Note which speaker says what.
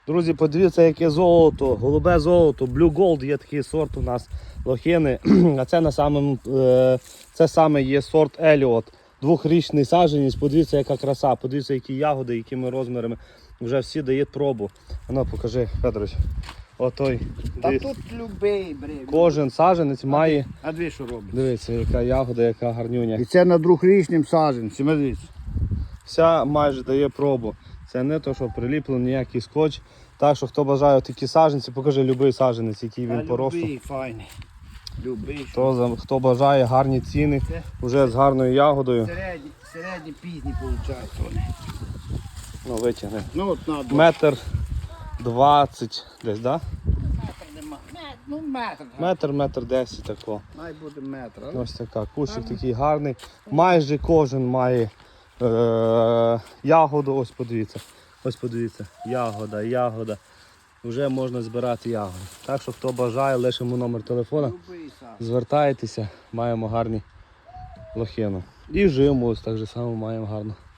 Speaker 1: Друзі, подивіться, яке золото, голубе золото, Blue Gold є такий сорт у нас лохини. А це на самому, це саме є сорт Еліот. Двохрічний саджанець, подивіться, яка краса, подивіться, які ягоди, якими розмірами. Вже всі дають пробу. Ану, покажи, Федорович. Отой.
Speaker 2: Та тут любий,
Speaker 1: Кожен саджанець має.
Speaker 2: А дві що робить?
Speaker 1: Дивіться, яка ягода, яка гарнюня.
Speaker 2: І це на двохрічним саджанці, дивіться.
Speaker 1: Вся майже дає пробу. Це не то, що приліплений ніякий скотч. Так що хто бажає такі саджанці, покажи любий саджанець, який він по росту.
Speaker 2: Любий, файний. Любий.
Speaker 1: Хто бажає гарні ціни, вже з гарною ягодою.
Speaker 2: Середні пізні виходить вони.
Speaker 1: Ну, витягне.
Speaker 2: Ну от на
Speaker 1: Метр 20 десь, так?
Speaker 2: метр нема. Ну метр.
Speaker 1: Метр 10 тако.
Speaker 2: Має бути метр.
Speaker 1: Ось така. Кущик такий гарний. Майже кожен має ягоду. Ось подивіться. Ось подивіться. Ягода. Вже можна збирати ягоди. Так що хто бажає, лишимо номер телефона.
Speaker 2: Любий саджанець.
Speaker 1: Звертайтеся, маємо гарні лохину. І жиму ось так же само маємо гарно.